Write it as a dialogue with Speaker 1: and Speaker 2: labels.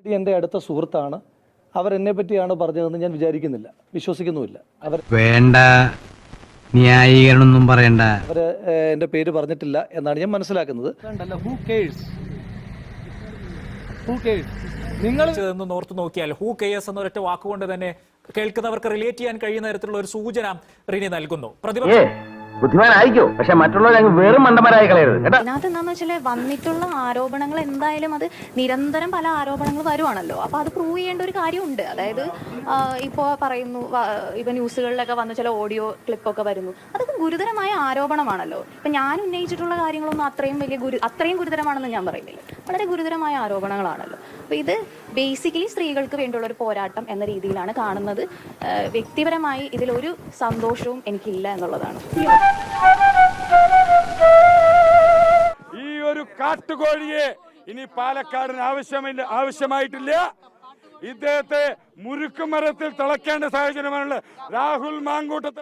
Speaker 1: എൻ്റെ അടുത്ത സുഹൃത്താണ്. അവരെന്നെ പറ്റിയാണ് പറഞ്ഞതെന്ന് ഞാൻ വിചാരിക്കുന്നില്ല, വിശ്വസിക്കുന്നുമില്ല.
Speaker 2: വേണ്ട, ന്യായീകരണമൊന്നും പറയണ്ട.
Speaker 1: അവർ എൻ്റെ പേര് പറഞ്ഞിട്ടില്ല എന്നാണ് ഞാൻ മനസ്സിലാക്കുന്നത്.
Speaker 3: നിങ്ങൾ ഓർത്ത് നോക്കിയാൽ ഹൂ കെയേഴ്സ് എന്നൊരൊറ്റ വാക്കുകൊണ്ട് തന്നെ കേൾക്കുന്നവർക്ക് റിലേറ്റ് ചെയ്യാൻ കഴിയുന്ന തരത്തിലുള്ള ഒരു സൂചന റിനി നൽകുന്നു.
Speaker 4: ബുദ്ധിമാനായിക്കോ, പക്ഷെ മറ്റുള്ളവർ വെറും മണ്ടന്മാരായി കളയരുത്.
Speaker 5: ഇതിനകത്ത് എന്താന്ന് വെച്ചാൽ വന്നിട്ടുള്ള ആരോപണങ്ങൾ എന്തായാലും അത് നിരന്തരം പല ആരോപണങ്ങൾ വരുവാണല്ലോ. അപ്പൊ അത് പ്രൂവ് ചെയ്യേണ്ട ഒരു കാര്യമുണ്ട്. അതായത് ഇപ്പോൾ പറയുന്നു, ഇപ്പൊ ന്യൂസുകളിലൊക്കെ വന്ന ചില ഓഡിയോ ക്ലിപ്പൊക്കെ വരുന്നു, അതൊക്കെ ഗുരുതരമായ ആരോപണമാണല്ലോ. ഇപ്പൊ ഞാൻ ഉന്നയിച്ചിട്ടുള്ള കാര്യങ്ങളൊന്നും അത്രയും ഗുരുതരമാണെന്ന് ഞാൻ പറയുന്നില്ല. വളരെ ഗുരുതരമായ ആരോപണങ്ങളാണല്ലോ. അപ്പൊ ഇത് ബേസിക്കലി സ്ത്രീകൾക്ക് വേണ്ടിയുള്ള ഒരു പോരാട്ടം എന്ന രീതിയിലാണ് കാണുന്നത്. വ്യക്തിപരമായി ഇതിലൊരു സന്തോഷവും എനിക്കില്ല എന്നുള്ളതാണ്.
Speaker 6: ഈ ഒരു കാട്ടുകോഴിയെ ഇനി പാലക്കാടിന് ആവശ്യമായിട്ടില്ല. ഇദ്ദേഹത്തെ മുരുക്കുമരത്തിൽ തിളക്കേണ്ട സാഹചര്യമാണുള്ളത്. രാഹുൽ മാങ്കൂട്ടത്തിൽ